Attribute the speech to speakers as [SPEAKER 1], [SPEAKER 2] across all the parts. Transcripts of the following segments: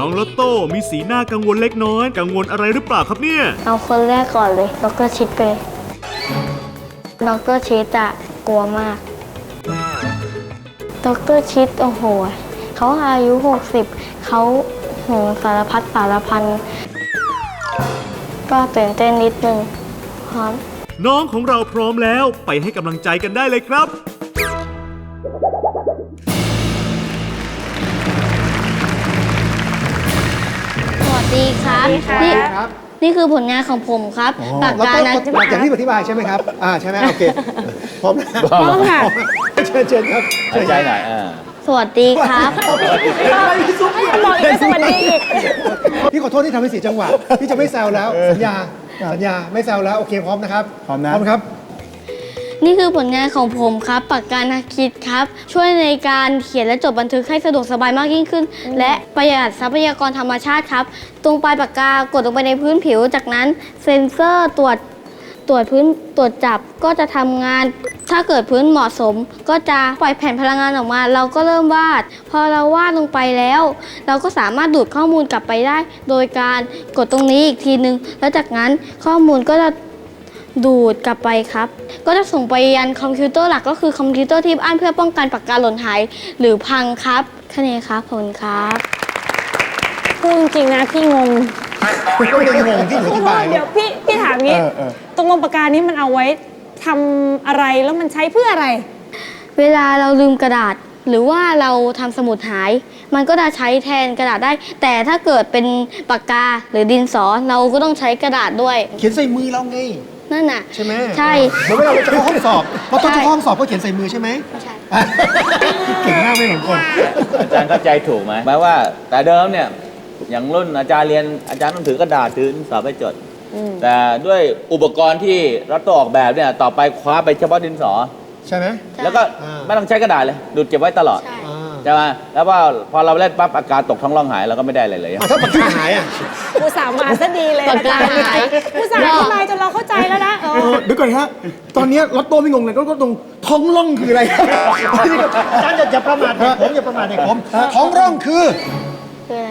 [SPEAKER 1] องลอตโต้มีสีหน้ากังวลเล็กน้อยกังวลอะไรหรือเปล่าครับเนี่ย
[SPEAKER 2] เอาคนแรกก่อนเลยดร.ชิดไปดร.ชิดอะกลัวมากดร.ชิดโอ้โหเขาอายุ60เขาโหสารพัดสารพันก็ตื่นเต้นนิดนึงพร้อม
[SPEAKER 1] น้องของเราพร้อมแล้วไปให้กำลังใจกันได้เลยครับ
[SPEAKER 2] สวัสดีครับนี่คือผลงานของผมครับปากกานะ
[SPEAKER 3] อย่างที่อธิบายใช่ไหมครับใช่ไหมโอเคพร้อมนะพร้อมค่ะเชิญครับ
[SPEAKER 4] ใจหน่อย
[SPEAKER 2] สวัสดีครับ
[SPEAKER 3] บอกอีกสวัสดีพี่ขอโทษที่ทำให้เสียจังหวะพี่จะไม่แซวแล้วสัญญาไม่แซวแล้วโอเคพร้อมนะครับพร้อมครับ
[SPEAKER 2] นี่คือผลงานของผมครับปากกานักคิดครับช่วยในการเขียนและจดบันทึกให้สะดวกสบายมากยิ่งขึ้นและประหยัดทรัพยากรธรรมชาติครับตรงปลายปากกากดลงไปในพื้นผิวจากนั้นเซ็นเซอร์ตรวจจับก็จะทำงานถ้าเกิดพื้นเหมาะสมก็จะปล่อยแผ่นพลังงานออกมาเราก็เริ่มวาดพอเราวาดลงไปแล้วเราก็สามารถดูดข้อมูลกลับไปได้โดยการกดตรงนี้อีกทีนึงแล้วจากนั้นข้อมูลก็จะดูดกลับไปครับก็จะส่งไปยันคอมพิวเตอร์หลักก็คือคอมพิวเตอร์ที่บ้านเพื่อป้องกันปากกาหล่นหายหรือพังครับแค่นี้ครับขอบคุณครับ
[SPEAKER 5] พูดจริงๆนะพี่งง
[SPEAKER 3] ก็ยังงงที่หนูอธิบาย
[SPEAKER 5] เดี๋ยวพี่ถามงี้ตรงปากกานี้มันเอาไว้ทำอะไรแล้วมันใช้เพื่ออะไร
[SPEAKER 2] เวลาเราลืมกระดาษหรือว่าเราทำสมุดหายมันก็จะใช้แทนกระดาษได้แต่ถ้าเกิดเป็นปากกาหรือดินสอเราก็ต้องใช้กระดาษด้วย
[SPEAKER 3] เขียนใส่มือเราไง
[SPEAKER 2] นั่นน่ะ
[SPEAKER 3] ใช่ไหม
[SPEAKER 2] ใช่
[SPEAKER 3] เหมือนเวลาเราจะเข้าห้องสอบพอต้องเข้าห้องสอบก็เขียนใส่มือใช่ไหม
[SPEAKER 2] ใช่
[SPEAKER 3] เก่งมากไม่เหมือนคน
[SPEAKER 4] อาจารย์เข้าใจถูกไหมหมายว่าแต่เดิมเนี่ยอย่างรุ่นอาจารย์เรียนอาจารย์ต้องถือกระดาษถือสอบไปจดแต่ด้วยอุปกรณ์ที่รัฐตัวออกแบบเนี่ยต่อไปคว้าไปเฉพาะดินสอ
[SPEAKER 3] ใช่ไหม
[SPEAKER 4] แล้วก็ไม่ต้องใช้กระดาษเลยดูดเก็บไว้ตลอดใช่ไหมแล้วว่าพอเราเล่นปั๊บอากาศตกท้องร่องหายเราก็ไม่ได้อะไรเลย
[SPEAKER 3] ถ้าปากกาหาย
[SPEAKER 5] ผู้สาวมาซะดีเลย
[SPEAKER 2] ปากกาหาย
[SPEAKER 5] ผู้สาวทำไมจนเราเข้าใจแล้วนะ
[SPEAKER 3] เดี๋ยวก่อนครับตอนนี้รถโต้ไม่งงเลยก็ตรงท้องร่องคืออะไรอาจารย์อย่าประมาทผมอย่าประมาทผมท้องร่องคือ
[SPEAKER 2] อะไร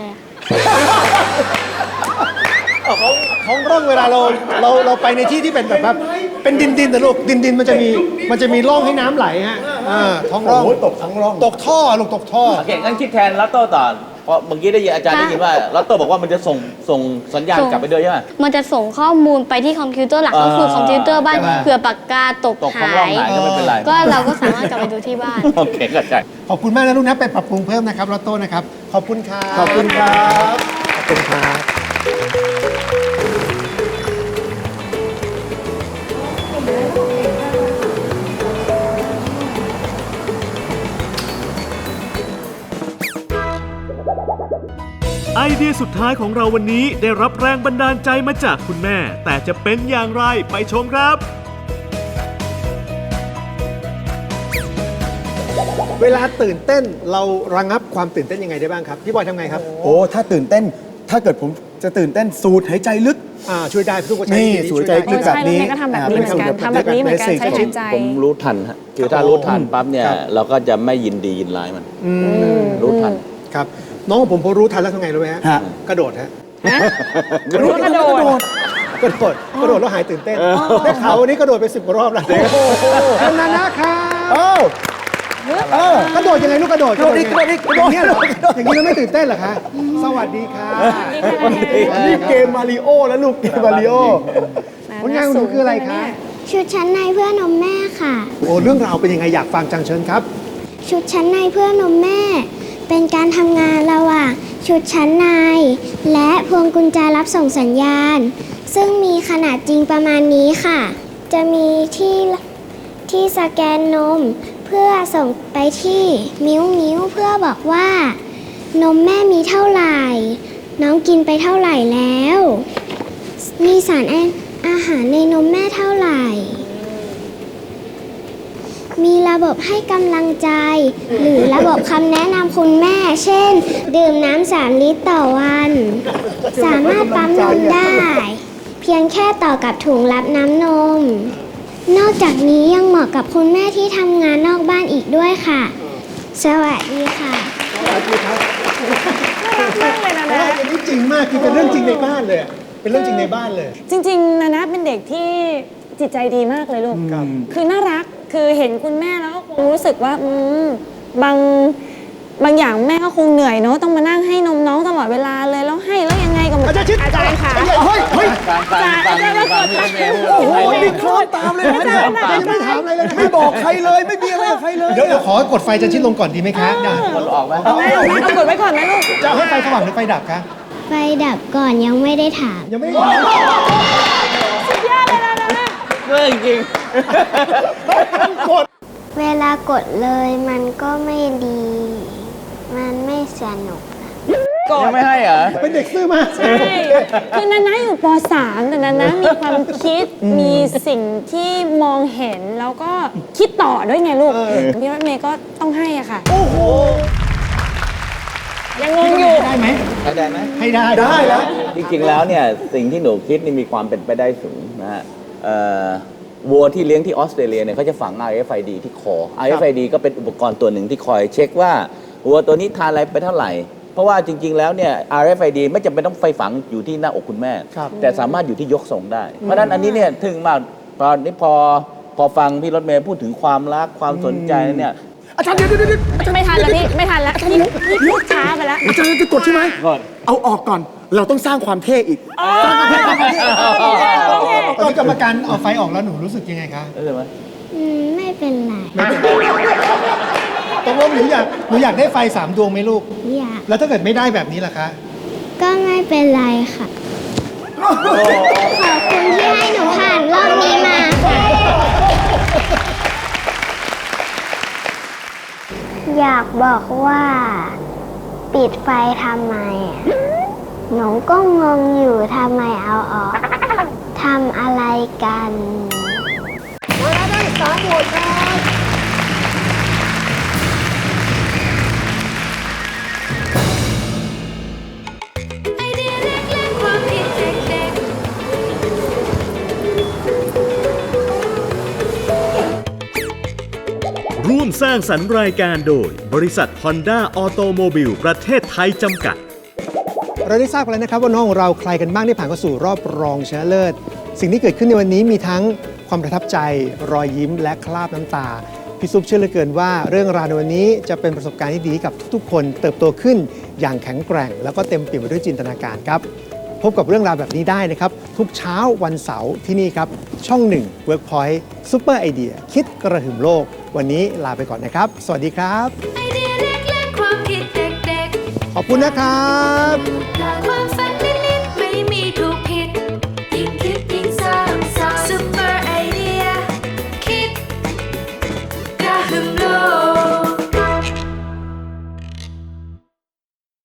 [SPEAKER 3] ท้องร่องเวลาเราไปในที่ที่เป็นแบบเป็นดินแต่ลูกดินมันจะมีร่องให้น้ำไหลฮะท้องร่องตกท้องร่องตกท่อลูกตกท่อ
[SPEAKER 4] โอเคงั้นคิดแทนลัตโต้ต่อเพราะเมื่อกี้ได้ยินอาจารย์ได้ยินว่าลัตโต้บอกว่ามันจะส่งสัญญาณกลับไปด้วยใช่ไหม
[SPEAKER 2] มันจะส่งข้อมูลไปที่คอมพิวเตอร์หลักก็คือคอมพิวเตอร์บ้านเผื่อปากกาตกหาย
[SPEAKER 4] ก็ไม่เป็นไร
[SPEAKER 2] ก็เราก็สามารถกลับไปดูที่บ้าน
[SPEAKER 4] โอเคเข้าใจ
[SPEAKER 3] ขอบคุณมากนะลูกนะไปปรับปรุงเพิ่มนะครับลัตโต้นะครับขอบคุณครับขอบคุณครับขอบคุณครับ
[SPEAKER 1] ไอเดียสุดท้ายของเราวันนี้ได้รับแรงบันดาลใจมาจากคุณแม่แต่จะเป็นอย่างไรไปชมครับ
[SPEAKER 3] เวลาตื่นเต้นเราระงับความตื่นเต้นยังไงได้บ้างครับพี่บอยทำไงครับ
[SPEAKER 6] ถ้าตื่นเต้นถ้าเกิดผมจะตื่นเต้นสูดหายใจลึก
[SPEAKER 3] ช่วยได้ทุกคน
[SPEAKER 6] นี่สูดหายใจลึกแบบนี้
[SPEAKER 5] ก็ทำแบบนี้เหมือนกันทำแบบนี้เหมือนกันใช้หายใจ
[SPEAKER 4] ผมรู้ทันฮะคือถ้ารู้ทันปั๊บเนี่ยเราก็จะไม่ยินดียินร้ายมันรู้ทัน
[SPEAKER 3] ครับน้องของผมพอรู้ทันแล้วทำไงรู้ไหมฮะกระโดดฮะ
[SPEAKER 5] กระโดด
[SPEAKER 3] แล้วหายตื่นเต้นได้ข่าววันนี้กระโดดไป10 กว่ารอบแล้วคุณนานะครับกระโดดยังไงลูกกระโดดอย่างนี้เหรออย่างนี้แล้วไม่ตื่นเต้นเหรอคะสวัสดีค่ะ
[SPEAKER 6] นี่เกมมาริโอแล้วลูกเกมมาริโอ
[SPEAKER 3] ผลงานของหนูคืออะไรคะ
[SPEAKER 7] ชุดชั้นในเพื่อนมแม่ค่ะ
[SPEAKER 3] เรื่องราวเป็นยังไงอยากฟังจังเชิญครับ
[SPEAKER 7] ชุดชั้นในเพื่อนมแม่เป็นการทำงานระหว่างชุดชั้นในและพวงกุญแจรับส่งสัญญาณซึ่งมีขนาดจริงประมาณนี้ค่ะจะมีที่สแกนนมเพื่อส่งไปที่มิ้วเพื่อบอกว่านมแม่มีเท่าไหร่น้องกินไปเท่าไหร่แล้วมีสารอาหารในนมแม่เท่าไหร่มีระบบให้กำลังใจหรือระบบคำแนะนำคุณแม่เช่นดื่มน้ำ3 ลิตรต่อวันสามารถปั๊มนมได้เพียงแค่ต่อกับถุงรับน้ำนมนอกจากนี้ยังเหมาะกับคุณแม่ที่ทำงานนอกบ้านอีกด้วยค่ะสวัสดีค่ะ
[SPEAKER 3] สวัสดีครับ
[SPEAKER 5] มากเลยนะ
[SPEAKER 3] เพราะ
[SPEAKER 5] นะ
[SPEAKER 3] ว่าอันนี้จริงมากคือเป็นเรื่องจริงในบ้านเลยอะเป็นเรื่องจริงในบ้านเลย
[SPEAKER 5] จริงๆนะเป็นเด็กที่จิตใจดีมากเลยลูก
[SPEAKER 3] ครับ
[SPEAKER 5] คือน่ารักคือเห็นคุณแม่แล้วก็คงรู้สึกว่าบางอย่างแม่ก็คงเหนื่อยเนาะต้องมานั่งให้นมน้องตลอดเวลาเลยแล้วให้แล้วยังไงก็ไม่
[SPEAKER 3] อาจารย์ชิด
[SPEAKER 5] อาจารย์ค่ะ
[SPEAKER 3] เฮ้ยเฮ้ย
[SPEAKER 4] ฟังพี่รถเมย์พูด
[SPEAKER 6] โอ้โหนี่คลอดตามเลยนะเนี่ย
[SPEAKER 3] ยังไม่ถามอะไรเลยนะ
[SPEAKER 6] ไม่บอกใครเลย ไม่มีอะไรกับใครเลย
[SPEAKER 3] เดี๋ยวขอกดไฟอาจารย์ชิดลงก่อนดีไหมคะได้
[SPEAKER 4] คนออกไหม
[SPEAKER 5] เอากดไว้ก่อนนะลูก
[SPEAKER 3] จะเอาให้ไฟสว่างหรือไฟดับคะ
[SPEAKER 7] ไฟดับก่อนยังไม่ได้ถาม
[SPEAKER 3] ยังไม่ได้
[SPEAKER 5] สุดยอดเลยนะนะ
[SPEAKER 4] เรื่องจริง
[SPEAKER 3] กด
[SPEAKER 7] เวลากดเลยมันก็ไม่ดี มันไม่สนุก
[SPEAKER 5] ก
[SPEAKER 4] ยั
[SPEAKER 5] ด
[SPEAKER 4] งไม่ให้เหรอ
[SPEAKER 3] เป็นเด็กซื่อมาก
[SPEAKER 5] ใช่คือนานะอยู่ป .3 แต่นานะมีความคิดมีสิ่งที่มองเห็นแล้วก็คิดต่อด้วยไงลูกพี่รถเมย์ก็ต้องให้อ่ะค่ะ
[SPEAKER 3] โอ้โห
[SPEAKER 5] ยังงงอยู่
[SPEAKER 3] ได้ไหม
[SPEAKER 4] ได้ไหม
[SPEAKER 3] ให้ได้ได้แล้ว
[SPEAKER 4] จริงๆ แล้วเนี่ยสิ่งที่หนูคิดนี่มีความเป็นไปได้สูงนะฮะวัวที่เลี้ยงที่ออสเตรเลียเนี่ยเขาจะฝัง RFID ที่คอ RFID ก็เป็นอุปกรณ์ตัวหนึ่งที่คอยเช็คว่าวัวตัวนี้ทานอะไรไปเท่าไหร่ เพราะว่าจริงๆ แล้วเนี่ย RFID ไม่จำเป็นต้องไปฝังอยู่ที่หน้าอกคุณแม่
[SPEAKER 3] ครับ
[SPEAKER 4] แต่สามารถอยู่ที่ยกส่งได้ เพราะฉะนั้นอันนี้เนี่ยถึงมากตอนนี้พอฟังพี่รถเมย์พูดถึงความรักความสนใจเนี่ย
[SPEAKER 6] อาจารย์เดี๋ยว
[SPEAKER 5] ไม่ทันแล้วพี่ไม่ทันแล้วพี่พูดช้าไปแล้ว
[SPEAKER 6] อาจารย์จะกดใช่ไหม
[SPEAKER 4] กด
[SPEAKER 6] เอาออกก่อน เราต้องสร้างความเท่อีก สร้างความเท่
[SPEAKER 3] ตอนกรรมการเอาไฟออกแล้วหนูรู้สึกยังไงคะ
[SPEAKER 4] เออไหม
[SPEAKER 7] ไม่เป็นไร
[SPEAKER 3] ตกลงหนูอยากได้ไฟ3 ดวงไหมลูก
[SPEAKER 7] อยาก
[SPEAKER 3] แล้วถ้าเกิดไม่ได้แบบนี้ล่ะคะ
[SPEAKER 7] ก็ไม่เป็นไรค่ะ ขอบคุณที่ให้หนูผ่านรอบนี้มาค่ะ อยากบอกว่า ปิดไฟทำไมอะหนูก็งงอยู่ทำไมเอาออกทำอะไรกัน
[SPEAKER 1] ร่วมสร้างสรรค์รายการโดยบริษัท Honda Automobile ประเทศไทยจำกัด
[SPEAKER 3] เราได้ทราบกันแล้วนะครับว่าน้องของเราใครกันบ้างที่ผ่านเข้าสู่รอบรองชนะเลิศ สิ่งที่เกิดขึ้นในวันนี้มีทั้งความประทับใจ รอยยิ้มและคราบน้ำตา พี่ซุปเชื่อเหลือเกินว่าเรื่องราวในวันนี้จะเป็นประสบการณ์ที่ดีกับทุกๆ คนเติบโตขึ้นอย่างแข็งแกร่ง แล้วก็เต็มเปี่ยมไปด้วยจินตนาการครับ พบกับเรื่องราวแบบนี้ได้นะครับ ทุกเช้าวันเสาร์ที่นี่ครับ ช่อง 1 Workpoint Super Idea คิดกระหึ่มโลก วันนี้ลาไปก่อนนะครับ สวัสดีครับ
[SPEAKER 8] ไอเดียเล็กๆความคิดเด็ก
[SPEAKER 3] ขอบคุณนะครับ
[SPEAKER 8] ๆความฝัน